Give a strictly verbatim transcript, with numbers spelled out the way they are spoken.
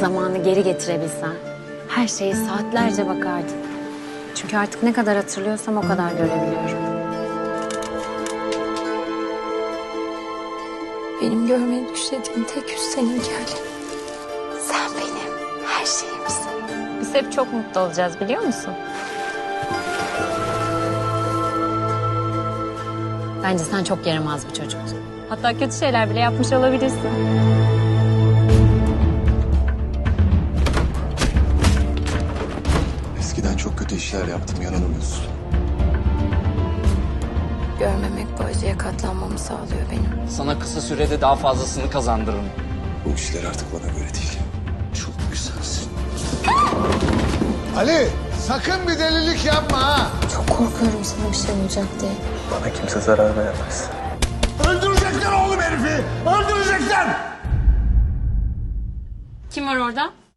Zamanı geri getirebilsen her şeye saatlerce bakardın. Çünkü artık ne kadar hatırlıyorsam o kadar görebiliyorum. Benim görmeyi düşlediğim tek yüz seninki Ali. Sen benim her şeyimsin. Biz hep çok mutlu olacağız biliyor musun? Bence sen çok yaramaz bir çocuktun. Hatta kötü şeyler bile yapmış olabilirsin. Eskiden çok kötü işler yaptım, yanılmıyorsun. Görmemek bu acıya katlanmamı sağlıyor benim. Sana kısa sürede daha fazlasını kazandırırım. Bu işler artık bana göre değil. Çok güzelsin. Ali sakın bir delilik yapma ha. Çok korkuyorum sana bir şey olacak diye. Bana kimse zarar veremez. Öldürecekler oğlum herifi. Öldürecekler. Kim var orada?